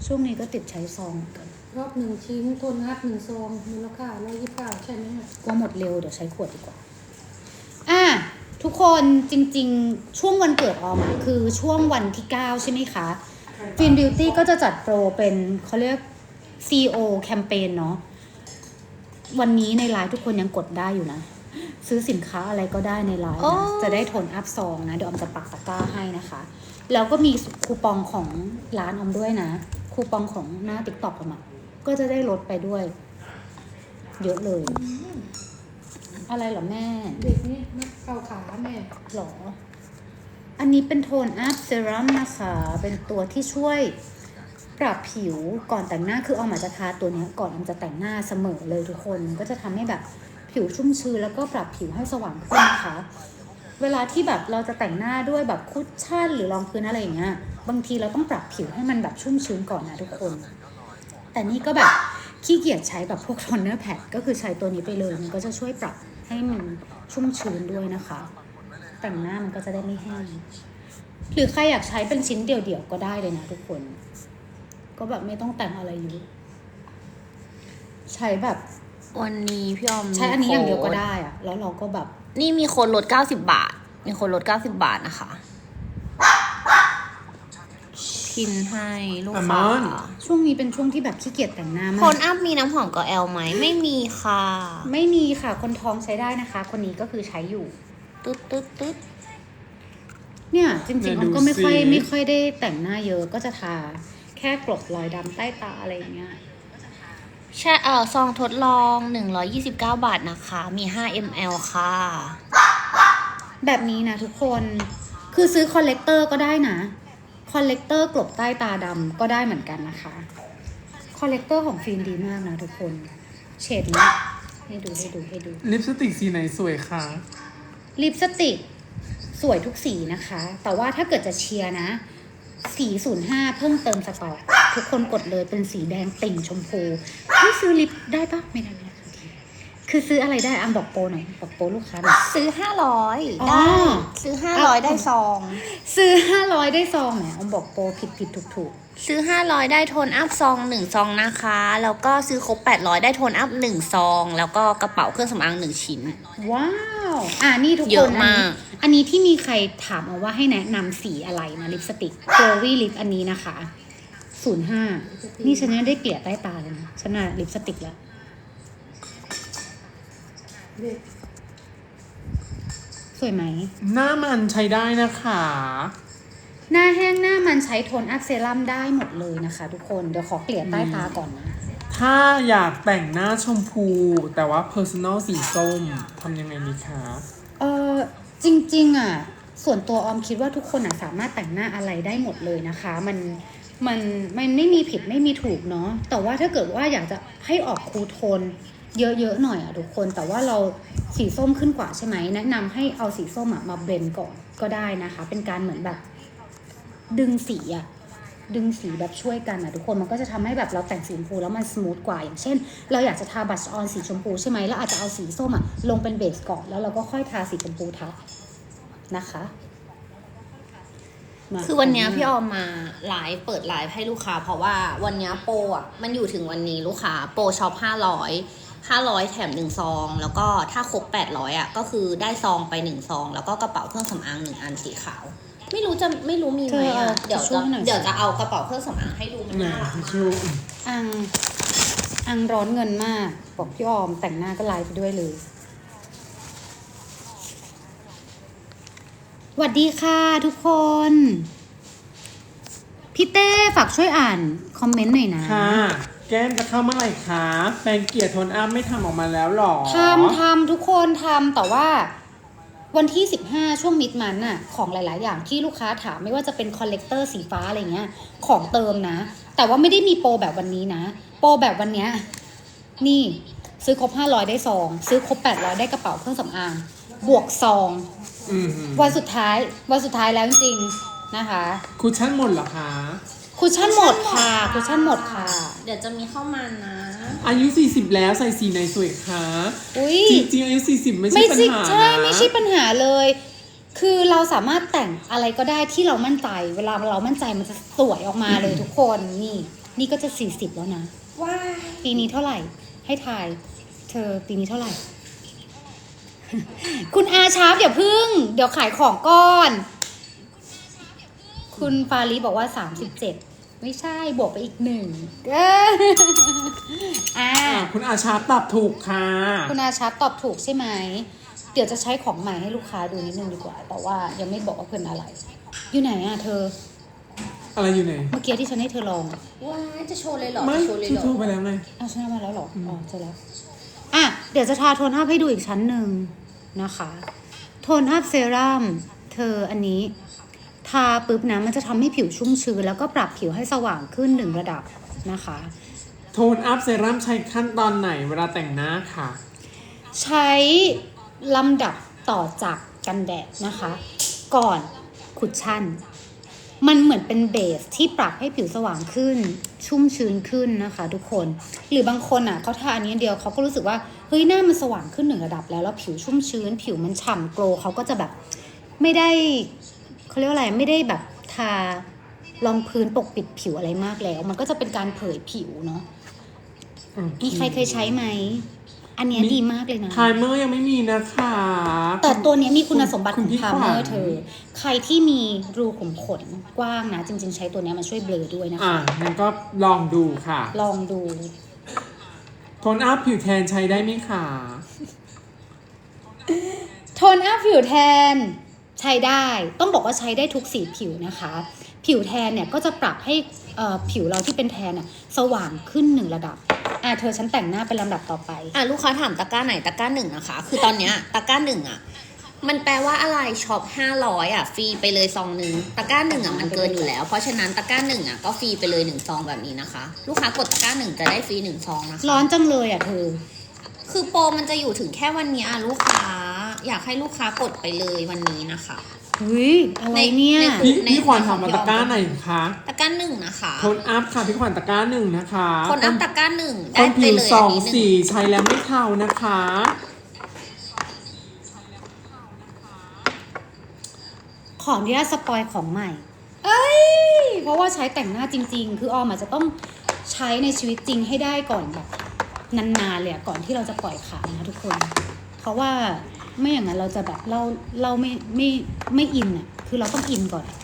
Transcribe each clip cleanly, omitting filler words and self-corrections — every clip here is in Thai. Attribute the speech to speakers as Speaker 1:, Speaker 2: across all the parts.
Speaker 1: ช่วงนี้ก็ติดใช้ซองกัน
Speaker 2: รอบ1 ชิ้นโทนอัพ1 ซองมูลค่า129ใช่ไหม
Speaker 1: กลัวหมดเร็วเดี๋ยวใช้ขวดดีกว่าทุกคนจริงๆช่วงวันเกิดออมคือช่วงวันที่9ใช่ไหมคะฟินบิวตี้ก็จะจัดโปรเป็นเขาเรียก CO แคมเปญเนาะวันนี้ในไลน์ทุกคนยังกดได้อยู่นะซื้อสินค้าอะไรก็ได้ในไลน์นะจะได้โทนอัพซองนะเดี๋ยวออมจะปักตะกร้าให้นะคะแล้วก็มีคูปองของร้านออมด้วยนะคูปองของหน้า TikTok ออมก็จะได้ลดไปด้วยเยอะเลยอะไรเหรอแม่
Speaker 2: เด็กนี่นักเกาขาแม่
Speaker 1: หรออันนี้เป็นโทนอัพเซรั่มนะคะเป็นตัวที่ช่วยปรับผิวก่อนแต่งหน้าคือเอามาจะทาตัวนี้ก่อนออมจะแต่งหน้าเสมอเลยทุกคนก็จะทำให้แบบผิวชุ่มชื้นแล้วก็ปรับผิวให้สว่างขึ้นนะคะเวลาที่แบบเราจะแต่งหน้าด้วยแบบคุชชั่นหรือรองพื้นอะไรอย่างเงี้ยบางทีเราต้องปรับผิวให้มันแบบชุ่มชื้นก่อนนะทุกคนแต่นี่ก็แบบขี้เกียจใช้แบบพวกโทนเนอร์แพดก็คือใช้ตัวนี้ไปเลยมันก็จะช่วยปรับให้มันชุ่มชื้นด้วยนะคะแต่งหน้ามันก็จะได้ไม่แห้งหรือใครอยากใช้เป็นชิ้นเดี่ยวๆก็ได้เลยนะทุกคนก็แบบไม่ต้องแต่งอะไรเยอะใช้แบบ
Speaker 3: วันนี้พี่ออม
Speaker 1: ใช้อันนี้อย่างเดียวก็ได้อะแล้วเราก็แบบ
Speaker 3: นี่มีคนลด90 บาทมีคนลด90 บาทนะคะพินให้ลูกค้า
Speaker 1: ช่วงนี้เป็นช่วงที่แบบขี้เกียจแต่งหน้ามาก
Speaker 3: โทนอัพมีน้ำหอมกับแอลไหมไม่มีค่ะ
Speaker 1: ไม่มีค่ะคนท้องใช้ได้นะคะคนนี้ก็คือใช้อยู่
Speaker 3: ตึ๊ด
Speaker 1: เนี่ยจริงๆออมก็ไม่ค่อยได้แต่งหน้าเยอะก็จะทาแค่กลบรอยดำใต้ตาอะไรอย่างเงี้ย
Speaker 3: ใช่ซองทดลอง129 บาทนะคะมี5 ml ค่ะ
Speaker 1: แบบนี้นะทุกคนคือซื้อคอลเลกเตอร์ก็ได้นะคอลเลกเตอร์กลบใต้ตาดำก็ได้เหมือนกันนะคะคอลเลกเตอร์ของฟิล์มดีมากนะทุกคนเฉดนี้ให้ดู
Speaker 4: ลิปสติกสีไหนสวยคะ
Speaker 1: ลิปสติกสวยทุกสีนะคะแต่ว่าถ้าเกิดจะเชียร์นะสี05เพิ่งเติมสต็อกทุกคนกดเลยเป็นสีแดงติ่งชมพูที่ซื้อลิปได้ปะไม่ได้คือซื้ออะไรได้อัมบอกโปรหน่อยบอกโปรลูกค้าหน่อย
Speaker 3: ซื้อ500ได้ซื้อ500ได้ซอง
Speaker 1: ซื้อ500ได้ซองแหมอัมบอกโปรผิดถูก
Speaker 3: ซื้อ500ได้โทนอัพซอง1 ซองนะคะแล้วก็ซื้อครบ800ได้โทนอัพ1 ซองแล้วก็กระเป๋าเครื่องสำอาง1 ชิ้น
Speaker 1: ว้าวนี่ทุกคน
Speaker 3: เยอะมาก
Speaker 1: อันนี้ที่มีใครถามมาว่าให้แนะนำสีอะไรนะลิปสติกโกลวี่ลิปอันนี้นะคะ05นี่ฉันยังได้เกลี่ยใต้ตาเลยนะฉันน่ะลิปสติกแล้วสวยไหม
Speaker 4: หน้ามันใช้ได้นะคะ
Speaker 1: หน้าแห้งหน้ามันใช้โทนอัพเซรั่มได้หมดเลยนะคะทุกคนเดี๋ยวขอเกลี่ยใต้ตาก่อนนะ
Speaker 4: ถ้าอยากแต่งหน้าชมพูแต่ว่า personal สีส้มทำยังไงดีคะ
Speaker 1: จริงๆส่วนตัวออมคิดว่าทุกคนสามารถแต่งหน้าอะไรได้หมดเลยนะคะมันไม่มีผิดไม่มีถูกเนาะแต่ว่าถ้าเกิดว่าอยากจะให้ออกคูลโทนเยอะๆหน่อยทุกคนแต่ว่าเราสีส้มขึ้นกว่าใช่ไหมแนะนำให้เอาสีส้มมาเบลนด์ก่อนก็ได้นะคะเป็นการเหมือนแบบดึงสีแบบช่วยกันทุกคนมันก็จะทำให้แบบเราแต่งสีชมพูแล้วมันสมูทกว่าอย่างเช่นเราอยากจะทาบัชออนสีชมพูใช่ไหมแล้วอาจจะเอาสีส้มลงเป็นเบสก่อนแล้วเราก็ค่อยทาสีชมพูทับนะคะ
Speaker 3: คือวันนี้พี่ออมมาเปิดไลฟ์ให้ลูกค้าเพราะว่าวันนี้โปรมันอยู่ถึงวันนี้ลูกค้าโปรช็อป500แถม1 ซองแล้วก็ถ้าครบ800ก็คือได้ซองไป1 ซองแล้วก็กระเป๋าเครื่องสำอาง1 อันสีขาวไม่รู้มีไหมเดี๋ยวจะเอากระเป๋าเครื่องสำอางให้ดูมันน่ารัก
Speaker 1: อังร้อนเงินมากบอกพี่ออมแต่งหน้าก็ไลฟ์ไปด้วยเลยสวัสดีค่ะทุกคนพี่เต้ฝากช่วยอ่านคอมเมนต์หน่อยนะ
Speaker 4: ค่ะแก้มจะเข้าเมื่อไหร่คะแปรงเกลี่ยโทนอัพไม่ทำออกมาแล้วหรอ
Speaker 1: ทำทุกคนทำแต่ว่าวันที่15ช่วงมิดมันของหลายๆอย่างที่ลูกค้าถามไม่ว่าจะเป็นคอลเลกเตอร์สีฟ้าอะไรเงี้ยของเติมนะแต่ว่าไม่ได้มีโปรแบบวันนี้นะโปรแบบวันเนี้ยนี่ซื้อครบ500ได้ซองซื้อครบ800ได้กระเป๋าเครื่องสำอางบวกซองวันสุดท้ายแล้วจริงๆนะคะ
Speaker 4: คุชชั่นหมดเหรอคะ
Speaker 1: คุชชั่นหมดค่ะ
Speaker 3: เดี๋ยวจะมีเข้ามานะ
Speaker 4: อายุ40แล้วใส่สีไหนสวยคะจริงอายุ40ไม่ใช่ปัญหา
Speaker 1: ใช่ไม่ใช่ปัญหาเลยคือเราสามารถแต่งอะไรก็ได้ที่เรามั่นใจเวลาเรามั่นใจมันจะสวยออกมาเลยทุกคนนี่นี่ก็จะ40แล้วนะ
Speaker 3: ว้าย
Speaker 1: ปีนี้เท่าไหร่ ให้ทาย เธอปีนี้เท่าไหร่ คุณอาชาร์ปอย่าพึ่ง เดี๋ยวขายของก่อน คุณฟารีบอกว่า37ไม่ใช่บวกไปอีก1อ่า
Speaker 4: คุณอาชาตอบถูกค่ะ
Speaker 1: คุณอาชาร์ปตอบถูกใช่ไหม เดี๋ยวจะใช้ของใหม่ให้ลูกค้าดูนิดนึงดีกว่า แต่ว่ายังไม่บอกว่าเป็นอะไร อยู่ไหนอะเธอ
Speaker 4: อะไรอยู่ไหน
Speaker 1: เมื่อกี้ที่ฉันให้เธอลองอะ
Speaker 3: ว้ายจะโชว์เลยเหรอ
Speaker 4: ไม่
Speaker 3: จะโชว์เลย
Speaker 4: ที่
Speaker 3: เหรอ
Speaker 4: โทรไปแล้วไง
Speaker 1: อ้าวฉันเอามาแล้วเหรอ อ๋อเจอแล้ว อ่ะ เดี๋ยวจะทาโทนอัพให้ดูอีกชั้นหนึ่งนะคะ โทนอัพเซรั่ม เธออันนี้ ทาปุ๊บนะมันจะทำให้ผิวชุ่มชื้นแล้วก็ปรับผิวให้สว่างขึ้น1ระดับนะคะ
Speaker 4: โทนอัพเซรั่มใช้ขั้นตอนไหนเวลาแต่งหน้าค่ะ
Speaker 1: ใช้ลำดับต่อจากกันแดดนะคะ ก่อนคุชชั่น มันเหมือนเป็นเบสที่ปรับให้ผิวสว่างขึ้น ชุ่มชื้นขึ้นนะคะทุกคน หรือบางคนอ่ะเขาทาอันนี้อันเดียวเขาก็รู้สึกว่าเฮ้ยหน้ามันสว่างขึ้น1ระดับแล้วแล้วผิวชุ่มชื้น ผิวมันฉ่ำโกลว์เขาก็จะแบบไม่ได้เขาเรียกว่าอะไรไม่ได้แบบทารองพื้นปกปิดผิวอะไรมากแล้ว มันก็จะเป็นการเผยผิวเนาะมีใครเคยใช้ไหมอันเนี้ยดีมากเลยนะ
Speaker 4: ไพรเมอร์ยังไม่มีนะคะ
Speaker 1: แต่ตัวเนี้ยมีคุณสมบัติ
Speaker 4: คุ
Speaker 1: ข
Speaker 4: ณ
Speaker 1: อง
Speaker 4: พี่
Speaker 1: พาร์เมอ
Speaker 4: ขวั
Speaker 1: ร์
Speaker 4: ญ
Speaker 1: เธอ ใครที่มีรูขุมขนกว้างนะ จริงๆ ใช้ตัวเนี้ยมาช่วยเบลอด้วยนะ
Speaker 4: อ่ะ
Speaker 1: คะ
Speaker 4: งั้นก็ลองดูค่ะ
Speaker 1: ลองดู
Speaker 4: โทนอัพผิวแทนใช้ได้ไหมคะ
Speaker 1: โทนอัพผิวแทนใช้ได้ ต้องบอกว่าใช้ได้ทุกสีผิวนะคะ ผิวแทนเนี่ยก็จะปรับให้ผิวเราที่เป็นแทนอะสว่างขึ้น1ระดับ เธอฉันแต่งหน้าเป็นลำดับต่อไป
Speaker 3: ลูกค้าถามตะกร้าไหนตะกร้า1นะคะ คือตอนเนี้ยตะกร้า1อ่ะ มันแปลว่าอะไรช็อป500อ่ะฟรีไปเลยซองนึงตะกร้า1อ่ะมันเกินอยู่แล้ว เพราะฉะนั้นตะกร้า1อ่ะก็ฟรีไปเลย1ซองแบบนี้นะคะ ลูกค้ากดตะกร้า1จะได้ฟรี1ซองนะคะ
Speaker 1: ร้อนจังเลยเธอ
Speaker 3: คือโปรมันจะอยู่ถึงแค่วันเนี้ยลูกค้าอยากให้ลูกค้ากดไปเลยวันนี้นะคะ
Speaker 1: เฮ้ยอะไรเนี่ย
Speaker 4: พี่ขวัญถามมาตะกร้าไหนคะ
Speaker 3: ตะกร้า1นะคะ
Speaker 4: โทนอัพค่ะพี่ขวัญตะกร้าหนึ่งนะคะ
Speaker 3: คนอัพตะกร้า1
Speaker 4: ค
Speaker 3: ได้
Speaker 4: น
Speaker 3: ไป
Speaker 4: ผิว
Speaker 3: เลย
Speaker 4: ส
Speaker 3: อั
Speaker 4: อน ง
Speaker 3: นี้หนึ่
Speaker 4: สี
Speaker 3: ง
Speaker 4: ใช้แล้วไม่เทานะคะ
Speaker 1: ขออนุญาตสปอยของใหม่ เพราะว่าใช้แต่งหน้าจริง ๆ คือออมอาจจะต้องใช้ในชีวิตจริงให้ได้ก่อนแบบนานๆเลยอะก่อนที่เราจะปล่อยขายนะทุกคน เพราะว่าไม่อย่างนั้นเราจะแบบเราไม่อินอะคือเราต้องอินก่อน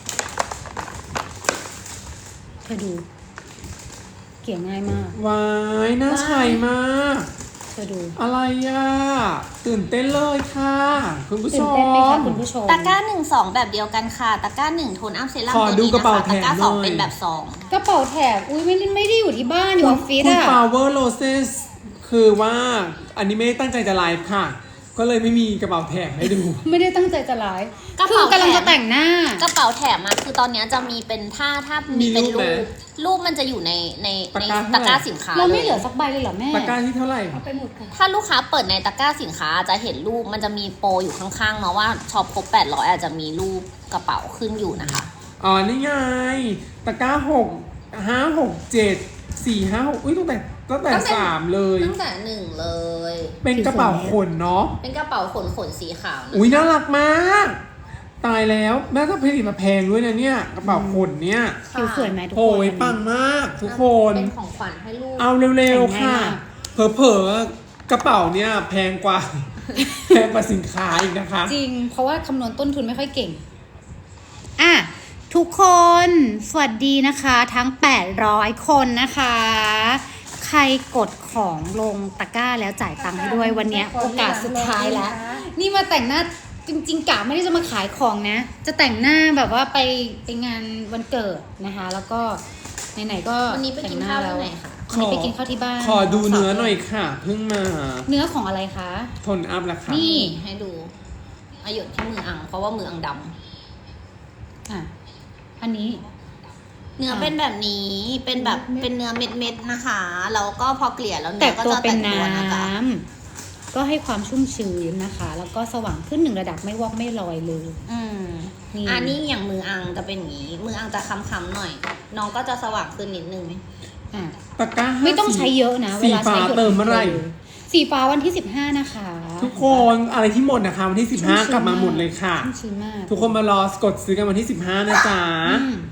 Speaker 1: เธอดูเกี่ยง่ายมาก
Speaker 4: วายน่าใช้มาก
Speaker 1: เธอดู
Speaker 4: อะไรอ่ะ ตื่นเต้นเลยค่ะ คุณผู้ช
Speaker 1: ตื่น
Speaker 4: ม
Speaker 1: เต้นไหมคะคุณผู้ชม
Speaker 3: ตะกร้า1 2แบบเดียวกันค่ะตะกร้า1โทนอัพเซรั่ม
Speaker 4: ขอ
Speaker 3: ตัว
Speaker 4: ดู
Speaker 3: นี้
Speaker 4: กระ
Speaker 3: นะ
Speaker 4: เป๋า
Speaker 3: คะ
Speaker 4: แถ
Speaker 3: ตะ
Speaker 4: ม
Speaker 3: กร้า
Speaker 4: หน่อย
Speaker 3: 2เป็นแบบซอง
Speaker 1: กระเป๋าแถบอุ้ยไม่ได้อยู่ที่บ้านอยู่ออฟฟิศ
Speaker 4: คุณ
Speaker 1: อะ
Speaker 4: Power Roses คือว่าอันนี้ไม่ได้ตั้งใจจะไลฟ์ค่ะ ก็เลยไม่มีกระเป๋าแถมให้ดู
Speaker 1: ไม่ได้ตั้งใจจะไลฟ์
Speaker 3: กระ
Speaker 1: คื
Speaker 3: เป๋า
Speaker 1: อกำลัง
Speaker 3: แถ
Speaker 1: จะ
Speaker 3: ม
Speaker 1: แต่งหน้า
Speaker 3: กระเป๋าแถมอะคือตอนเนี้ยจะมีเป็นถ้ามีเป็น
Speaker 4: มีรูปไหม
Speaker 3: รูปมันจะอยู่ใน
Speaker 4: ตะ
Speaker 3: ใน
Speaker 4: กร้า
Speaker 3: ตะกร้า
Speaker 4: เท่าไหร่
Speaker 3: สินค้า
Speaker 1: เรา
Speaker 3: เล
Speaker 1: ไม่
Speaker 3: ย
Speaker 1: เหลือสักใบเลยเหรอแม่
Speaker 4: ตะกร้าที่เท่าไหร่
Speaker 2: เอาไปหมดค่ะ
Speaker 3: ถ้าลูกค้าเปิดในตะกร้าสินค้าจะเห็นรูปมันจะมีโปรอยู่ข้างๆเนาะว่าช็อปครบ800อาจจะมีรูปกระเป๋าขึ้นอยู่นะคะ
Speaker 4: อ๋อ นี่ไง ตะกร้า6 5 6 7 4 5 6อุ้ยตั้งแต่
Speaker 3: ตั้งแต่
Speaker 4: 3 เลย
Speaker 3: ตั้งแต่1เลย
Speaker 4: เป็นกระเป๋าขนเนาะ
Speaker 3: เป็นกระเป๋าขนสีขาวนะ
Speaker 4: อุ้ยน่ารักมาก ตายแล้วแม่ก็ผลิตมาแพงด้วยนะเนี่ย กระเป๋าขนเนี่ย
Speaker 1: ผิวสวยไหมทุก
Speaker 4: โอ้
Speaker 1: คน
Speaker 4: ยปังมากทุกคน
Speaker 3: เป็นของขวัญให้ลูก
Speaker 4: เอาเร็วๆค่ะ เผลอๆกระเป๋าเนี่ยแพงกว่า แพงกว่าสินค้าอีกนะคะ
Speaker 1: จริง เพราะว่าคำนวณต้นทุนไม่ค่อยเก่ง อ่ะ ทุกคน สวัสดีนะคะ ทั้ง 800 คนนะคะ ใครกดของลงตะกร้าแล้วจ่ายตังค์ให้ด้วยวันเนี้ยโอกาสสุดท้ายแล้ว นี่มาแต่งหน้าจริงๆกะไม่ได้จะมาขายของนะ จะแต่งหน้าแบบว่าไปงานวันเกิดนะคะ แล้วก็ไหนๆก็
Speaker 3: วันนี้ไปกินข้าวที่ไหนคะ
Speaker 1: วันนี้ไปกินข้าวที่บ้าน
Speaker 4: ขอดูเนื้อหน่อยค่ะ เพิ่งมา
Speaker 1: เนื้อของอะไรคะ
Speaker 4: ทนอัพราคา
Speaker 1: นี่
Speaker 3: ให้ดูอายุที่มืออัง เพราะว่ามืออังด
Speaker 1: อ่ะ อันนี้
Speaker 3: ำเนื้อเป็นแบบนี้เป็นแบบเป็นเนื้อเม็ดๆนะคะแล้วก็พอเกลี่ยแล้ว
Speaker 1: แต่
Speaker 3: เนื้อก็
Speaker 1: ตัว
Speaker 3: จะ
Speaker 1: เป็น
Speaker 3: แตกตัว
Speaker 1: น้
Speaker 3: นะคะ
Speaker 1: ำก็ให้ความชุ่มชื้นนะคะ แล้วก็สว่างขึ้น1ระดับไม่วอกไม่ลอยเลย นี่
Speaker 3: อันนี้อย่างมืออังจะเป็นอย่างนี้ มืออังจะค้ำๆหน่อย น้องก็จะสว่างขึ้นนิดนึง
Speaker 1: อ่ะ
Speaker 4: ตะกร้า
Speaker 1: ไม่ต้องใช้เยอะนะ เว
Speaker 4: สี
Speaker 1: ลา
Speaker 4: ฟ้า
Speaker 1: ใช้หยด
Speaker 4: เติมเมื่อไหร่
Speaker 1: สีฟ้าวันที่15นะคะ
Speaker 4: ทุกคนอะไรที่หมดนะคะวันที่ 15 กลับมาหมดเลยค่ะ
Speaker 1: ชุ่มชื้นมาก
Speaker 4: ทุกคนมารอกดซื้อกันวันที่ 15 นะจ๊ะ
Speaker 1: อืม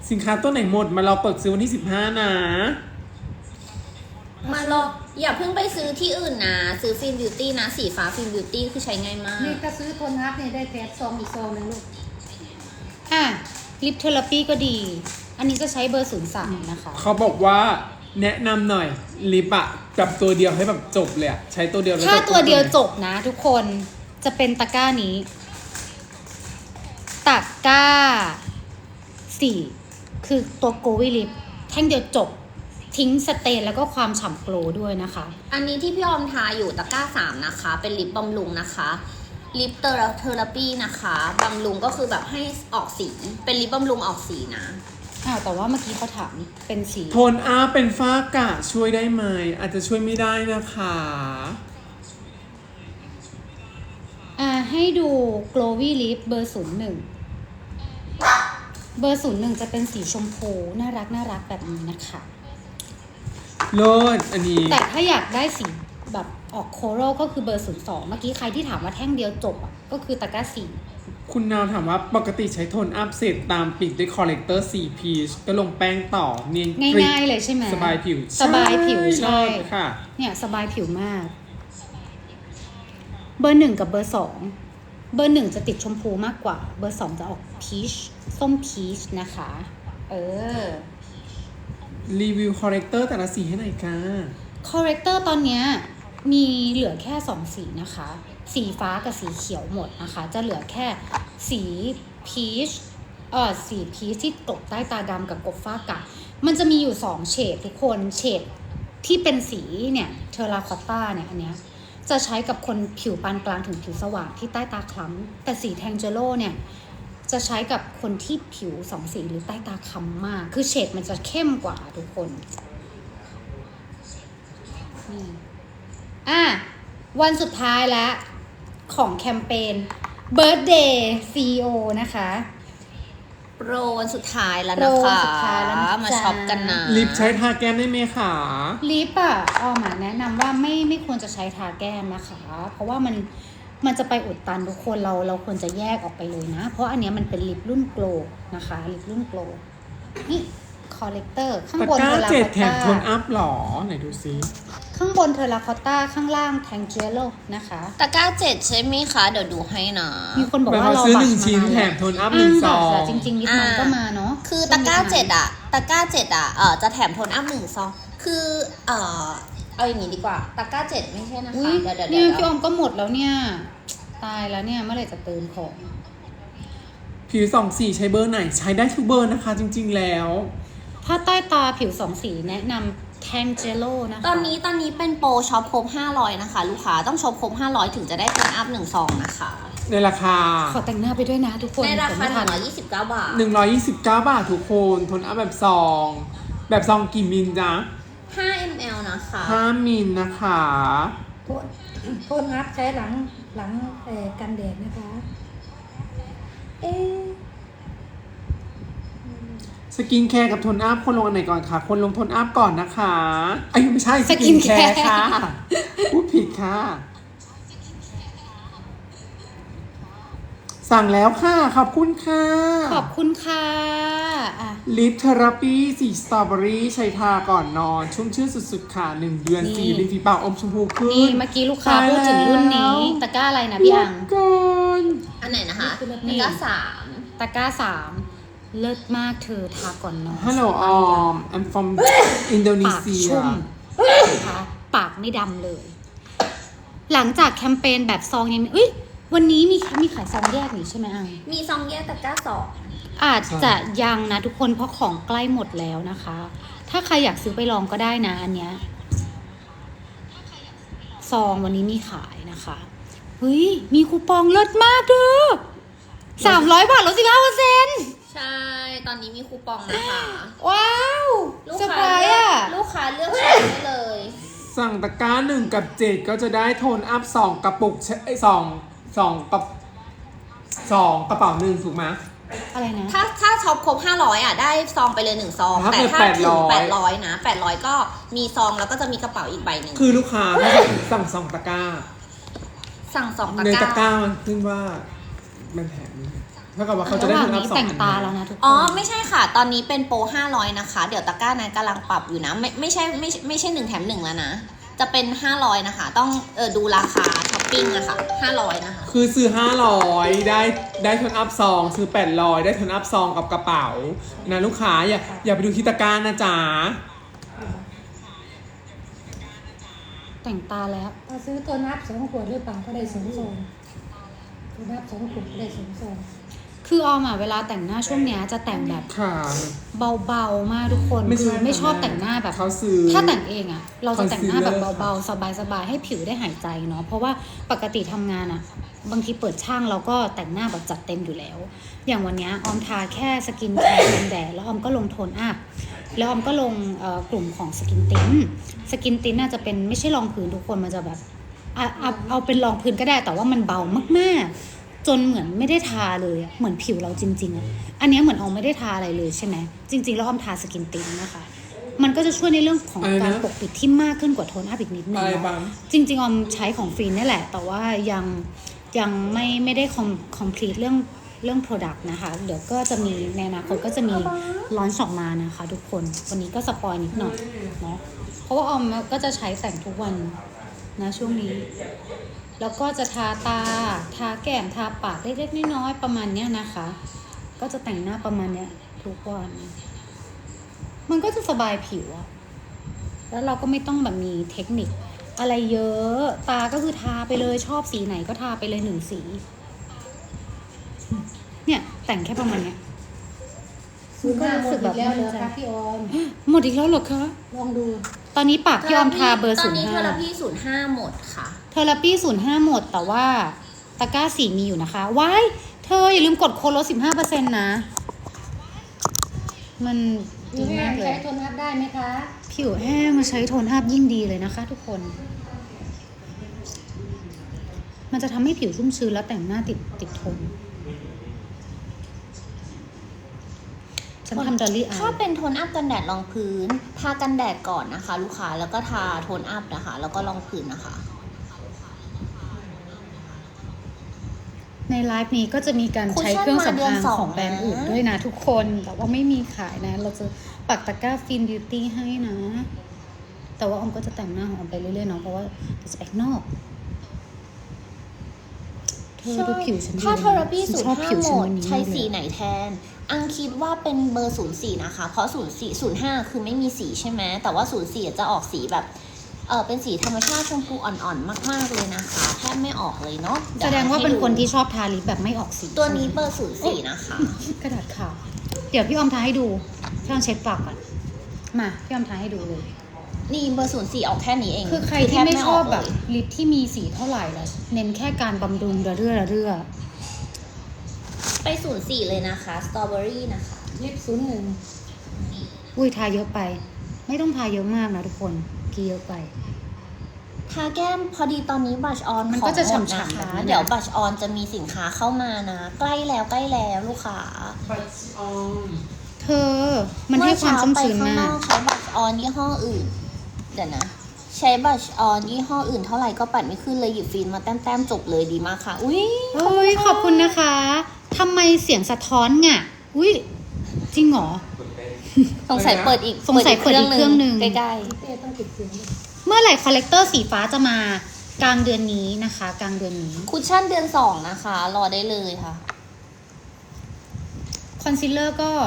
Speaker 4: สินค้าตัวไหนหมดมาเราเปิดซื้อวันที่15นะ
Speaker 3: มาลองอย่าเพิ่งไปซื้อที่อื่นนะ ซื้อฟิล์มบิวตี้นะ สีฟ้าฟิล์มบิวตี้คือใช้ง่ายมาก
Speaker 2: นี่ถ้าซื้อโทนอัพเนี่ยได้แถมซองอีกซองหนึงลูก
Speaker 1: อ่ะลิปเทอราปีก็ดี อันนี้จะใช้เบอร์ 03 นะคะ
Speaker 4: เขาบอกว่าแนะนำหน่อยลิปอะกับตัวเดียวให้แบบจบเลยอะใช้ตัวเดียวแล้ว
Speaker 1: ถ้า
Speaker 4: จบ
Speaker 1: ตัวเดียว
Speaker 4: ล
Speaker 1: จบนะทุกคนจะเป็นตะกร้านี้ ตะกร้า 4 คือตัวโกวิลิปแท่งเดียวจบ ทิ้งสเตนแล้วก็ความฉ่ำโกลว์ด้วยนะคะ
Speaker 3: อันนี้ที่พี่ออมทาอยู่ตะกร้า 3 นะคะ เป็นลิปบำรุงนะคะ ลิปเทอราปีนะคะบำรุงก็คือแบบให้ออกสี เป็นลิปบำรุงออกสีนะ
Speaker 1: อ้าวแต่ว่าเมื่อกี้เขาถามเป็นสี
Speaker 4: โทนอัพเป็นฝ้ากระช่วยได้ไหมอาจจะช่วยไม่ได้นะคะ
Speaker 1: ให้ดู glowy lip เบอร์ 01 เบอร์ 01 จะเป็นสีชมพูน่ารักแบบนี้นะคะ
Speaker 4: เลิศอันนี้
Speaker 1: แต่ถ้าอยากได้สีแบบออกโคโรก็คือเบอร์ 02 เมื่อกี้ใครที่ถามว่าแท่งเดียวจบอ่ะก็คือตะกร้า 4
Speaker 4: คุณนาวถามว่าปกติใช้โทนอัพเสร็จตามปิดด้วยคอลเลกเตอร์สีพีชก็ลงแป้งต่อเนียนกริบ
Speaker 1: ง่ายๆเลยใช่ไหม
Speaker 4: สบายผิว
Speaker 1: สบายผิวใช่
Speaker 4: ค่ะ
Speaker 1: เนี่ยสบายผิวมาก เบอร์ 1 กับเบอร์ 2 เบอร์ 1 จะติดชมพูมากกว่า เบอร์ 2 จะออกพีชส้มพีชนะคะ
Speaker 4: รีวิวคอลเลกเตอร์แต่ละสีให้หน่อยค่ะ
Speaker 1: คอเรคเตอร์ตอนเนี้ยมีเหลือแค่ 2 สีนะคะ สีฟ้ากับสีเขียวหมดนะคะ จะเหลือแค่สีพีชสีพีชที่ตกใต้ตาดำกับกบฟ้ากะมันจะมีอยู่2เฉดทุกคนเฉดที่เป็นสีเนี่ยเทอราคอตตาเนี่ยอันเนี้ยจะใช้กับคนผิวปานกลางถึงผิวสว่างที่ใต้ตาคล้ำแต่สีแทงเจโร่เนี่ยจะใช้กับคนที่ผิว2สีหรือใต้ตาคล้ำมากคือเฉดมันจะเข้มกว่าทุกคนนี่วันสุดท้ายแล้วของแคมเปญ Birthday CEO นะคะ
Speaker 3: โปรวันสุดท้ายแล้ว
Speaker 1: โปร
Speaker 3: นะ
Speaker 1: วัน
Speaker 3: คะ
Speaker 1: สุดท้ายแล้วนะจ๊ะ
Speaker 3: มาช็อปกันนะ
Speaker 4: ลิปใช้ทาแก้มได้ไหมคะ
Speaker 1: ลิปอ่ะออมแนะนำว่าไม่ควรจะใช้ทาแก้มนะคะ เพราะว่ามันจะไปอุดตันทุกคนเราควรจะแยกออกไปเลยนะ เพราะอันเนี้ยมันเป็นลิปรุ่นโกลนะคะลิปรุ่นโกลนี่คอลเลกเตอร์ข้าง
Speaker 4: ตะ
Speaker 1: บน
Speaker 4: กร้า
Speaker 1: เทอรา
Speaker 4: เจ็ด
Speaker 1: คอต
Speaker 4: แถม
Speaker 1: ตา
Speaker 4: โทนอัพหรอไหนดูซิ
Speaker 1: ข้างบนเทอราคอตตาข้างล่างแทงเจโร่นะคะ
Speaker 3: ตะกร้า 7 ใช่ไหมคะ เดี๋ยวดูให้นะ
Speaker 1: มีคนบอก
Speaker 4: แบบ
Speaker 1: ว่า
Speaker 4: เขา
Speaker 1: รอ
Speaker 4: ซื้อ
Speaker 1: บัต
Speaker 4: หนึ่ง
Speaker 1: ร
Speaker 4: ชิ้น
Speaker 1: มานาน
Speaker 4: แถ
Speaker 1: แล้ว
Speaker 4: มโทนอัพหนึ่งซอง
Speaker 1: จริงๆลิปมันก็มาเนาะ
Speaker 3: คือตะกร้า 7อะตะกร้า 7อะจะแถมโทนอัพ1 ซอง คือเอาอย่างนี้ดีกว่า ตะกร้า 7 ไม่ใช่นะ
Speaker 1: อุ๊
Speaker 3: คะ
Speaker 1: ย
Speaker 3: เดี๋ยว
Speaker 1: เนี่ยพี่ออมก็หมดแล้วเนี่ยตายแล้วเนี่ยเมื่อไหร่จะเติมของ
Speaker 4: ผิวสองสีใช้เบอร์ไหนใช้ได้ทุกเบอร์นะคะ จริงๆแล้ว
Speaker 1: ถ้าใต้ตาผิวสองสีแนะนำแทงเจโร่นะคะ
Speaker 3: ตอนนี้เป็นโปรช็อปครบ500นะคะ ลูกค้าต้องช็อปครบ500ถึงจะได้โทนอัพ1 ซองนะคะ
Speaker 4: ในราคา
Speaker 1: ขอแต่งหน้าไปด้วยนะทุกคน
Speaker 3: ในรา
Speaker 1: ผม
Speaker 3: คา
Speaker 1: ไม่ทัน
Speaker 3: 129 บาท
Speaker 4: 129 บาททุกคนโทนอัพแบบซอง แบบซองกี่มิลจ๊ะ
Speaker 3: 5 ml นะคะ
Speaker 4: 5มิลนะคะ
Speaker 2: โทนอัพใช้หลังกันแดดนะคะ
Speaker 4: สกินแคร์กับโทนอัพคนลงอันไหนก่อนคะคนลงโทนอัพก่อนนะคะไอ้ยไม่ใช่สกินแคร์ค่ะพูดผิดค่ะ สั่งแล้วค่ะ ขอบคุณค่ะ
Speaker 1: ขอบคุณค่ะอ่ะ
Speaker 4: ลิปเทอราปีสีสตรอเบอรี่ใช้ทาก่อนนอน ชุ่มชื่นสุดๆค่ะ 1 เดือน
Speaker 1: นี่
Speaker 4: สีริมฝีปากอมชมพูขึ้น
Speaker 1: นี่เมื่อกี้ลูกค้าพูดถึงรุ่นนี้ตะกร้าอะไรนะพี่อัง
Speaker 4: ก่อน
Speaker 3: อันไหนนะคะ
Speaker 1: นี่
Speaker 3: ตะกร้า
Speaker 1: ตะกร้า 3 เลิศมากเธอทาก่อนนอน
Speaker 4: ฮัลโหลออม I'm from อินโดนี
Speaker 1: ปาก
Speaker 4: เซีย
Speaker 1: ชุ่มนะคะปากไม่ดำเลย หลังจากแคมเปญแบบซองยังเอ้ยวันนี้มีขายซองแยกนี่ใช่ไหมอัง
Speaker 3: 3 มีซองแยกตะกร้า
Speaker 1: อาจจะยังนะทุกคนเพราะของใกล้หมดแล้วนะคะ ถ้าใครอยากซื้อไปลองก็ได้นะอันเนี้ยซองวันนี้มีขายนะคะเฮ้ยมีคูปองเลิศมากเด้อ300 บาทลด15%
Speaker 3: 2 ใช่ ตอนนี้มีคูปองนะคะ
Speaker 1: ว้าว
Speaker 3: ลูก
Speaker 1: เซอร์ไพ
Speaker 3: ค้าร
Speaker 1: ส์อ่ะ
Speaker 3: ลูกค้าเลือกใช้ได้เลย
Speaker 4: สั่งตะกร้า1 กับ 7 ก็จะได้โทนอัพ2 กระปุกไอ้2กับ2กระเป๋า1ถูกไหม
Speaker 1: อะไรนะ
Speaker 3: ถ้าช็อปครบ500อ่ะได้ซองไปเลย1 ซอง
Speaker 4: ถ้า
Speaker 3: แต่
Speaker 4: เกิด
Speaker 3: ถ้าถึง
Speaker 4: 800
Speaker 3: 800นะ800ก็มีซองแล้วก็จะมีกระเป๋าอีกใบหนึ่ง
Speaker 4: คือลูกค้าถ้าสั่ง2 ตะกร้า
Speaker 3: สั่ง2 ตะ
Speaker 4: ใน
Speaker 3: ก
Speaker 4: ตะกร้า
Speaker 3: ร้า
Speaker 4: มันขึ้นว่ามันแถมเท่ากับว่าเขาจะ
Speaker 1: ระ
Speaker 4: ได้
Speaker 1: หว่าง
Speaker 4: โทนอัพ
Speaker 1: นี้
Speaker 4: 2
Speaker 1: แต่ง
Speaker 4: อัน
Speaker 1: ตาแล้วนะทุกคน
Speaker 3: อ๋อไม่ใช่ค่ะ ตอนนี้เป็นโปร500นะคะเดี๋ยวตะกร้านั้นกำลังปรับอยู่นะไม่ใช่1 แถม 1แล้วนะจะเป็น500นะคะต้องดูราคาช้อปปิ้งนะคะ500นะคะ
Speaker 4: คือซื้อ500ได้โทนอัพซองซื้อ800ได้โทนอัพซองกับกระเป๋านะลูกค้าอย่าไปดูที่ตะกร้านะจ๊ะ
Speaker 1: แต่งตาแล้ว
Speaker 2: เราซื้อตัวนับ2 ขวดหรือเปล่าก็ได้2 ซองตัวนับ2 ขวดก็ได้2 ซอง
Speaker 1: คือออมอะเวลาแต่งหน้าช่วงเนี้ยจะแต่งแบบ
Speaker 4: ค่ะ
Speaker 1: เบาๆมากทุกคน
Speaker 4: ไม่ใช่
Speaker 1: คือไม่ชอบแต่งหน้าแบบ
Speaker 4: เขาซื้อ
Speaker 1: ถ้าแต่งเองอะเราจะแต่งหน้าแบบ
Speaker 4: concealer
Speaker 1: เบาๆสบายๆให้ผิวได้หายใจเนาะเพราะว่าปกติทำงานอะบางทีเปิดช่างเราก็แต่งหน้าแบบจัดเต็มอยู่แล้ว อย่างวันเนี้ยออมทาแค่สกินแคร์กันแดดแล้วออมก็ลงโทนอัพแล้วออมก็ลงกลุ่มของสกินติ้นน่าจะเป็นไม่ใช่รองพื้นทุกคนมันจะแบบเอาเป็นรองพื้นก็ได้แต่ว่ามันเบามากๆ จนเหมือนไม่ได้ทาเลยอะเหมือนผิวเราจริงๆอะอันเนี้ยเหมือนออมไม่ได้ทาอะไรเลยใช่ไหมจริงๆแล้วออมทาสกินติ้นนะคะ มันก็จะช่วยในเรื่องของ
Speaker 4: อะไรนะ
Speaker 1: การปกปิดที่มากขึ้นกว่าโทนอัพอีกนิดนึง
Speaker 4: อะไร
Speaker 1: เนาะ
Speaker 4: บ้าง
Speaker 1: จริงๆออมใช้ของฟรีนี่แหละ แต่ว่ายังไม่ได้completeเรื่อง product นะคะ เดี๋ยวก็จะมีในอนาคตก็จะมีลอนช์ออกมานะคะทุกคน วันนี้ก็สปอยนิดหน่อยเนาะ เพราะว่าออมก็จะใช้แต่งทุกวันนะช่วงนี้ แล้วก็จะทาตา ทาแก้ม ทาปากเล็กๆน้อยๆประมาณเนี้ยนะคะ ก็จะแต่งหน้าประมาณเนี้ยทุกวัน มันก็จะสบายผิวอะแล้วเราก็ไม่ต้องแบบมีเทคนิคอะไรเยอะ ตาก็คือทาไปเลยชอบสีไหนก็ทาไปเลย1 สี เนี่ยแต่งแค่ประมาณเนี้ย
Speaker 2: ซื้อหน้าหมดอีกแล้วเหรอคะพี่ออม
Speaker 1: หมดอีกแล้วเหรอคะ
Speaker 2: ลองดู
Speaker 1: ตอนนี้ปากพี่ออมทาเบอร์
Speaker 3: ตอนนี้เทอรา
Speaker 1: 05
Speaker 3: พี05หมดค่ะ
Speaker 1: เทอราปี้05หมดแต่ว่าตะกร้าสีมีอยู่นะคะ ว้ายเธออย่าลืมกดโค้ดลด 15% นะ มัน
Speaker 2: ผิ
Speaker 1: ดี
Speaker 2: วแห้
Speaker 1: มาง กเล
Speaker 2: ใช้
Speaker 1: ย
Speaker 2: โทนอัพได้ไหมคะ
Speaker 1: ผิวแห้งมาใช้โทนอัพยิ่งดีเลยนะคะทุกคน มันจะทำให้ผิวชุ่มชื้นแล้วแต่งหน้าติดทน ฉันทำดอลลี่อา
Speaker 3: ถ้า
Speaker 1: ร์
Speaker 3: เป็นโทนอัพกันแดดรองพื้น ทากันแดดก่อนนะคะ ลูกค้าแล้วก็ทาโทนอัพนะคะ แล้วก็รองพื้นนะคะ
Speaker 1: ในไลฟ์นี้ก็จะมีการใช้เครื่องสำอางของแบรนด์อื่นด้วยนะทุกคน แต่ว่าไม่มีขายนะ เราจะปักตะกร้าฟินบิวตี้ให้นะ แต่ว่าออมก็จะแต่งหน้าของออมไปเรื่อยๆเนาะเพราะว่าจะไปข้างนอก เธอดูผิวฉันดี
Speaker 3: ถ้า
Speaker 1: นะ
Speaker 3: เทอราพี
Speaker 1: ฉันชอบผิว
Speaker 3: 05ห
Speaker 1: ฉัน
Speaker 3: มด
Speaker 1: วันนี้
Speaker 3: ใช้
Speaker 1: เลย
Speaker 3: สีไหนแทน อังคิดว่าเป็นเบอร์04นะคะ เพราะ05คือไม่มีสีใช่ไหมแต่ว่า04จะออกสีแบบเป็นสีธรรมชาติชมพูอ่อนๆมากๆเลยนะคะแทบไม่ออกเลยเนาะ
Speaker 1: แสดงว่าเป็นคนที่ชอบทาลิปแบบไม่ออกสี
Speaker 3: ตัวนี้เบอร์04นะคะ
Speaker 1: กระดาษขาวเดี๋ยวพี่ออมทาให้ดูพี่ออมเช็ดปากก่อนมาพี่ออมทาให้ดูเลย
Speaker 3: นี่เบอร์04ออกแค่นี้เอง
Speaker 1: คือใครที่ไม่ชอบแบบลิปที่มีสีเท่าไหร่แล้วเน้นแค่การบำรุงระเรื่อ
Speaker 3: ไป04เลยนะคะสตรอเบอรี่นะคะ
Speaker 2: ลิป01
Speaker 1: อุ้ยทาเยอะไป ไม่ต้องทาเยอะมากนะทุกคนกี่เยอะไป
Speaker 3: ทาแก้มพอดีตอนนี้บัชออน
Speaker 1: มันก็จะ
Speaker 3: ของหมด
Speaker 1: ฉ่ำๆ
Speaker 3: นะ
Speaker 1: แบบ
Speaker 3: คะ
Speaker 1: นั้นนะ
Speaker 3: เดี๋ยวบัชออนจะมีสินค้าเข้ามานะ ใกล้แล้วลูกค้า
Speaker 4: บัตออน
Speaker 1: เธอมันให้ความชุ่มชื้น
Speaker 3: เมื่อ
Speaker 1: มา
Speaker 3: เช้าไปข้างนอก กใช้บัชออนยี่ห้ออื่นเดี๋ยวนะใช้บัชออนยี่ห้ออื่นเท่าไหร่ก็ปัดไม่ขึ้นเลยหยิบฟิล์มมาแต้มๆจบเลยดีมากค่ะอุ้ย
Speaker 1: เอ้ยขอบคุณนะคะทำไมเสียงสะท้อนง่ะอุ้ยจริงเหรอ
Speaker 3: สงสัยเปิดอีก
Speaker 1: สงสัยเปิดอีกเครื่องหนึ่ง
Speaker 3: ใกล้
Speaker 2: เต้ต้องติดเสียงด้วย
Speaker 1: เมื่อไหร่คอลเลกเตอร์สีฟ้าจะมากลางเดือนนี้นะคะ กลางเดือนนี้
Speaker 3: ๆคุชชั่นเดือน2นะคะรอได้เลยค่ะ
Speaker 1: คอนซีลเลอร์ก็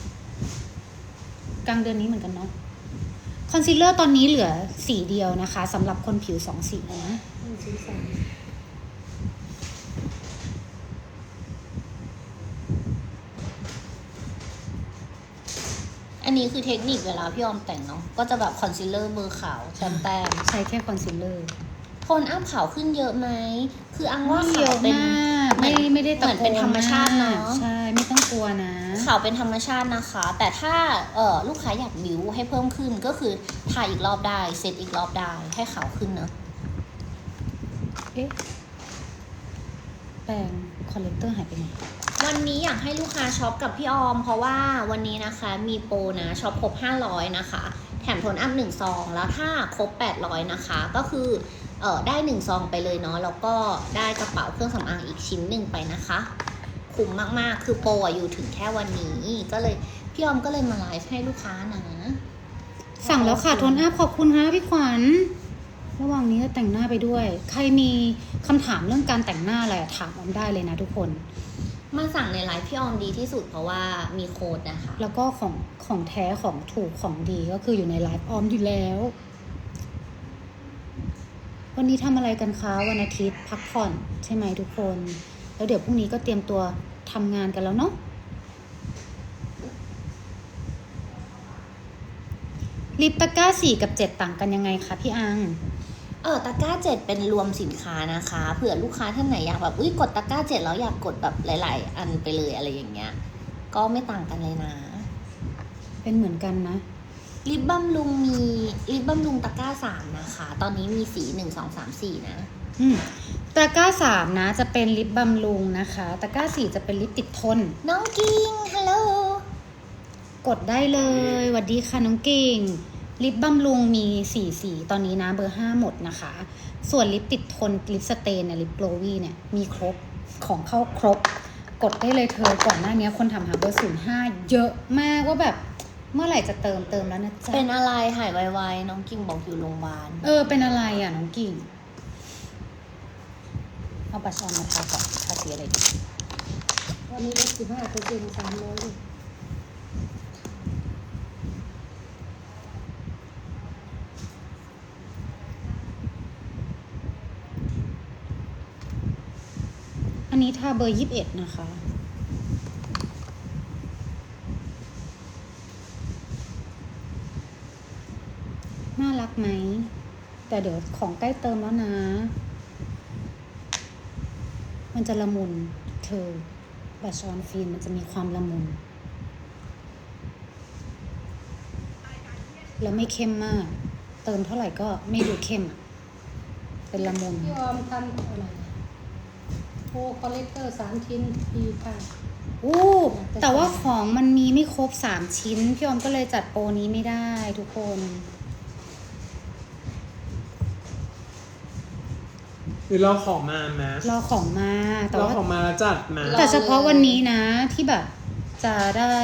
Speaker 1: กลางเดือนนี้เหมือนกันเนาะคอนซีลเลอร์ตอนนี้เหลือสีเดียวนะคะสำหรับคนผิว2 สีนะ
Speaker 2: สีสัน
Speaker 3: อันนี้คือเทคนิคเวลาพี่ออมแต่งเนาะก็จะแบบคอนซีลเลอร์เบอร์ขาวแต้ม
Speaker 1: ใช้แค่คอนซีลเลอร์
Speaker 3: ๆโทนอัพขาวขึ้นเยอะไหมคืออังว่า
Speaker 1: ไม่เย
Speaker 3: ขาว
Speaker 1: อะ
Speaker 3: เป็น
Speaker 1: มากไม่ได้ตะ
Speaker 3: เหมือน
Speaker 1: โก
Speaker 3: เป็นธรรมชาติเนอะ
Speaker 1: ใช่ไม่ต้องกลัวนะ
Speaker 3: ขาวเป็นธรรมชาตินะคะ แต่ถ้าลูกค้าอยากบิวให้เพิ่มขึ้นก็คือทาอีกรอบได้เซตอีกรอบได้ให้ขาวขึ้นเนอะ
Speaker 1: เอ๊ะแปรงคอลเลกเตอร์หายไปไหน
Speaker 3: วันนี้อยากให้ลูกค้าช็อปกับพี่ออม เพราะว่าวันนี้นะคะมีโปรนะช็อปครบ500นะคะแถมโทนอัพ1ซองแล้วถ้าครบ800นะคะก็คือได้1ซองไปเลยเนาะแล้วก็ได้กระเป๋าเครื่องสำอางอีกชิ้นหนึ่งไปนะคะคุ้มมากๆคือโปรอะอยู่ถึงแค่วันนี้ก็เลยพี่ออมก็เลยมาไลฟ์ให้ลูกค้านะ
Speaker 1: สั่งแล้วค่ะโทนอัพขอบคุณค่ะพี่ขวัญระหว่างนี้ก็แต่งหน้าไปด้วย ใครมีคำถามเรื่องการแต่งหน้าอะไรถามออมได้เลยนะทุกคน
Speaker 3: มาสั่งในไลฟ์พี่ออมดีที่สุดเพราะว่ามีโค้ดนะคะ
Speaker 1: แล้วก็ของแท้ของถูกของดีก็คืออยู่ในไลฟ์ออมอยู่แล้ว วันนี้ทำอะไรกันคะวันอาทิตย์พักผ่อนใช่ไหมทุกคน แล้วเดี๋ยวพรุ่งนี้ก็เตรียมตัวทำงานกันแล้วเนาะลิปตะกร้า4กับ7ต่างกันยังไงคะพี่อัง
Speaker 3: ตะกร้า7เป็นรวมสินค้านะคะเผื่อลูกค้าท่านไหนอยากแบบกดตะกร้า7แล้วอยากกดแบบหลายๆอันไปเลยอะไรอย่างเงี้ยก็ไม่ต่างกันเลยนะ
Speaker 1: เป็นเหมือนกันนะ
Speaker 3: ลิปบำรุงมีลิปบำรุงตะกร้า3นะคะตอนนี้มีสี1 2 3 4นะ
Speaker 1: ตะกร้า3นะจะเป็นลิปบำรุงนะคะตะกร้า4จะเป็นลิปติดทน
Speaker 3: น้องกิ้งฮัลโหล
Speaker 1: กดได้เลยสวัสดีค่ะน้องเก่งลิปบำรุงมี4สีตอนนี้นะเบอร์5หมดนะคะส่วนลิปติดทนลิปสเตนเนี่ยลิปโกลวี่เนี่ยมีครบของเข้าครบกดได้เลยเธอก่อนหน้านี้คนถามหาเบอร์05เยอะมากว่าแบบเมื่อไหร่จะเติมแล้วนะจ๊ะ
Speaker 3: เป็นอะไรหายไวๆน้องกิ้งบอกอยู่โรงพยาบาล
Speaker 1: เป็นอะไรอ่ะน้องกิ่งเอาบัตรออนมาทาก่อนทาสีอะไรดี
Speaker 2: ตอนนี้ลด15% 300เลย
Speaker 1: อันนี้ทาเบอร์21นะคะน่ารักไหมแต่เดี๋ยวของใกล้เติมแล้วนะ มันจะละมุนเธอบัตรออนฟิล์มมันจะมีความละมุนแล้วไม่เข้มมาก เติมเท่าไหร่ก็ไม่ดูเข้มอะเป็นละมุน
Speaker 2: พี่ออมทำอะไรโปรคอลเลกเตอร์3 ชิ้นดีค่ะ
Speaker 1: แต่ว่าของมันมีไม่ครบ3ชิ้นพี่ออมก็เลยจัดโปรนี้ไม่ได้ทุกคน
Speaker 4: หรือรอของมาไหม
Speaker 1: รอของมาแต่
Speaker 4: รอ
Speaker 1: ว่า
Speaker 4: ของมาแล้วจัดมา
Speaker 1: แต่เฉพาะวันนี้นะที่แบบจะได้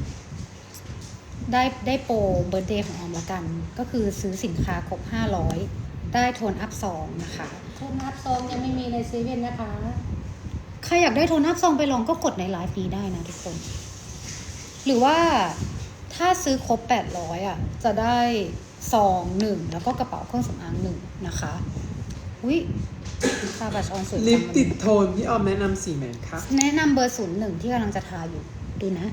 Speaker 1: โปรเบิร์ธเดย์ของออมละกัน ก็คือซื้อสินค้าครบ500ได้โทนอัพ2นะคะ
Speaker 2: โทนอัพซองยังไม่มีในเซเว่นนะคะ
Speaker 1: ใครอยากได้โทนอัพ2ไปลองก็กดในไลฟ์นี้ได้นะทุกคน หรือว่าถ้าซื้อครบ800อ่ะจะได้ซอง1แล้วก็กระเป๋าเครื่องสำอาง1นะคะอุ๊ยทาบัชออนสวยจัง
Speaker 4: ลิปติดโทนพี่ออมแนะนำสีไหนคะ
Speaker 1: แนะนำเบอร์01ที่กำลังจะทาอยู่ดูนะ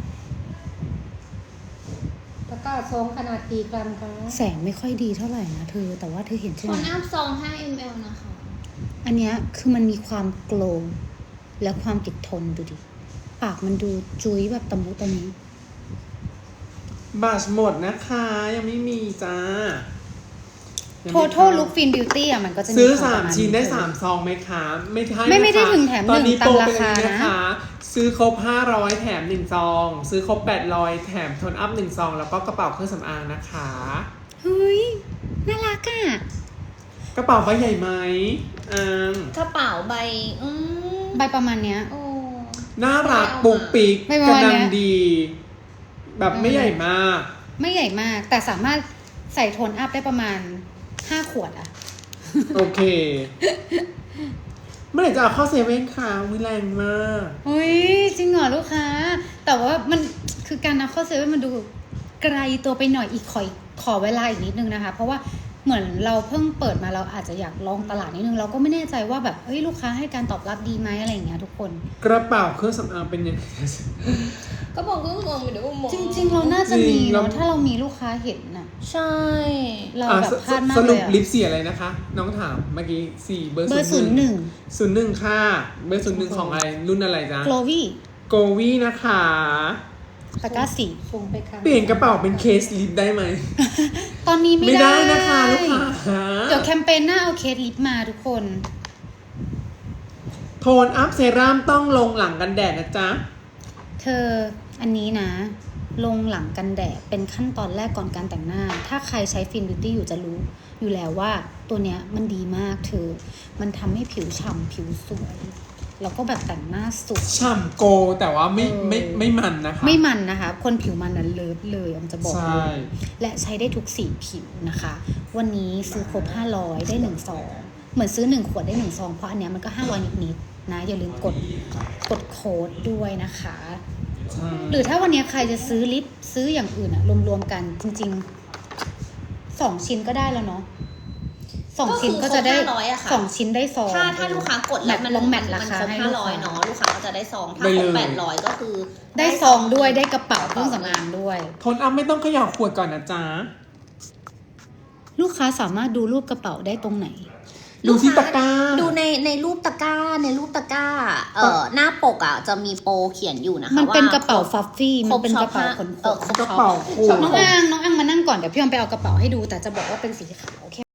Speaker 2: ตะกร้าซองขนาดกี่กรัมคะ
Speaker 1: แสงไม่ค่อยดีเท่าไหร่นะเธอแต่ว่าเธอเห็นใช่
Speaker 3: โท
Speaker 1: ไหม
Speaker 3: นอัพซอง5 ml นะคะ
Speaker 1: อันเนี้ยคือมันมีความโกลว์และความติดทนดูดิปากมันดูจุ้ยแบบตะมุตะมิ
Speaker 4: บัชหมดนะคะ ยังไม่มีจ้า
Speaker 1: โทโทลุคฟินบิวตี้อ่ะมันก็จะมี
Speaker 4: ซื้อ
Speaker 1: ความประมาณ
Speaker 4: 3 ชิ้นได้
Speaker 1: เธอ
Speaker 4: 3 ซองไหมคะ ไม่ใช่
Speaker 1: ไม่ได้
Speaker 4: นะคะ
Speaker 1: ถึงแถม
Speaker 4: ตอนนี้
Speaker 1: 1
Speaker 4: โปร
Speaker 1: ตาม
Speaker 4: เป็น
Speaker 1: รา
Speaker 4: อัน
Speaker 1: คา
Speaker 4: นี้
Speaker 1: นะ
Speaker 4: นะคะ ซื้อครบ500แถม1 ซอง ซื้อครบ800แถมโทนอัพ1 ซอง แล้วก็กระเป๋าเครื่องสำอางนะคะ
Speaker 1: เฮ้ยน่ารักอ่ะ
Speaker 4: กระเป๋าใบใหญ่ไหม
Speaker 3: กระเป๋าใบ
Speaker 1: ใบประมาณเนี้ย
Speaker 3: โอ้
Speaker 4: น่ารักปุกปิก
Speaker 1: ไม่
Speaker 4: ก
Speaker 1: ประ
Speaker 4: ระ
Speaker 1: มาณ
Speaker 4: ดั
Speaker 1: เนี้
Speaker 4: ง
Speaker 1: ย
Speaker 4: ดี แบบไม่ใหญ่มาก
Speaker 1: ไม่ใหญ่มากแต่สามารถใส่โทนอัพได้ประมาณ5 ขวดอ่ะ
Speaker 4: โอเค เมื่อไหร่จะเอาเข้าเซเว่นคะวิแรงมาก
Speaker 1: เฮ้ยจริงเหรอลูกค้า แต่ว่ามันคือการนับเข้าเซเว่นมันดูไกลตัวไปหน่อยขอเวลาอีกนิดนึงนะคะ เพราะว่าเหมือนเราเพิ่งเปิดมาเราอาจจะอยากลองตลาดนิดนึงเราก็ไม่แน่ใจว่าแบบเอ้ยลูกค้าให้การตอบรับดีไหมอะไรอย่างเงี้ยทุกคน
Speaker 4: กระเป๋าเครื่องสำอางเป็นยังไง
Speaker 3: ก็บอกก็มองไปเดี๋ยวก็มอง
Speaker 1: จริง ๆ เราน่าจะมี
Speaker 4: จริงเรา
Speaker 1: เนาะถ้าเรามีลูกค้าเห็นน่ะ
Speaker 3: ใช่
Speaker 1: เรา
Speaker 4: อ่ะ
Speaker 1: แบบพลาดมาก
Speaker 4: ส
Speaker 1: เล
Speaker 4: รุป
Speaker 1: ยอะ
Speaker 4: ลิปสีอะไรนะคะ น้องถามเมื่อกี้สี่เบอร์
Speaker 1: เบอร์
Speaker 4: 01ค่ะ เบอร์01ของอะไรรุ่นอะไรจ๊ะ
Speaker 1: โกลวี่
Speaker 4: โกวี่นะคะ
Speaker 1: ตะกร้าสี
Speaker 2: ส่งไปครั้ง
Speaker 4: เปลี่ยนกระเป๋าเป็นเคสลิปได้ไหม
Speaker 1: ตอนนี้ไม่
Speaker 4: ได้นะคะลูกค้า
Speaker 1: เดี๋ยวแคมเปญหน้าเอาเคสลิปมาทุกคน
Speaker 4: โทนอัพเซรั่มต้องลงหลังกันแดดนะจ๊ะ
Speaker 1: เธออันนี้นะ ลงหลังกันแดดเป็นขั้นตอนแรกก่อนการแต่งหน้า ถ้าใครใช้ฟินบิวตี้อยู่จะรู้อยู่แล้วว่าตัวเนี้ยมันดีมากเธอ มันทำให้ผิวฉ่ำผิวสวยแล้วก็แบบแต่งหน้าสุด
Speaker 4: ฉ่ำโกแต่ว่าไม่มันนะคะ
Speaker 1: ไม่มันนะคะ คนผิวมันนั้นเลิฟเลยออมจะบอก
Speaker 4: ใช่
Speaker 1: เลยและใช้ได้ทุกสีผิวนะคะ วันนี้ซื้อครบ500ได้1ซองเหมือนซื้อ1ขวดได้1ซองเพราะอันเนี้ยมันก็500นิดๆนะอย่าลืมกดโค้ดด้วยนะคะ
Speaker 4: ใช่
Speaker 1: หรือถ้าวันนี้ใครจะซื้อลิปซื้ออย่างอื่นอะรวมๆกันจริงๆ2ชิ้นก็ได้แล้วเนาะ2ชิ้นก็จะได้
Speaker 3: ก็คือครบ500อะค่ะ
Speaker 1: 2ชิ้นได้ซอง
Speaker 3: ถ้าลูกค้ากดแล้วมัน
Speaker 1: ลงแมทรา
Speaker 3: มัน
Speaker 1: คา
Speaker 3: ครบ
Speaker 1: ให้ลูกค้า
Speaker 3: 500เนาะลูกค้าก็จะได้ซองถ้าครบ800ก็คือ
Speaker 1: ได้ซองด้วยได้กระเป๋าเครื่องสำอางด้วย
Speaker 4: โทนอัพไม่ต้องเขย่าขวดก่อนนะจ๊ะ
Speaker 1: ลูกค้าสามารถดูรูปกระเป๋าได้ตรงไหน
Speaker 4: ดูที่ตะกร้า
Speaker 3: ดูในรูปตะกร้าหน้าปกอ่ะจะมีโปรเขียนอยู่นะคะ
Speaker 1: มันเป็น
Speaker 3: ว่าก
Speaker 1: ระเป๋าฟัฟฟี่ มันเป็นกระเป๋าขน
Speaker 3: ครบช็อป
Speaker 1: ๆ
Speaker 4: กระเป๋าขวด
Speaker 1: น้องอังมานั่งก่อนเดี๋ยวพี่ออมไปเอากระเป๋าให้ดูแต่จะบอกว่าเป็นสีขาวแค่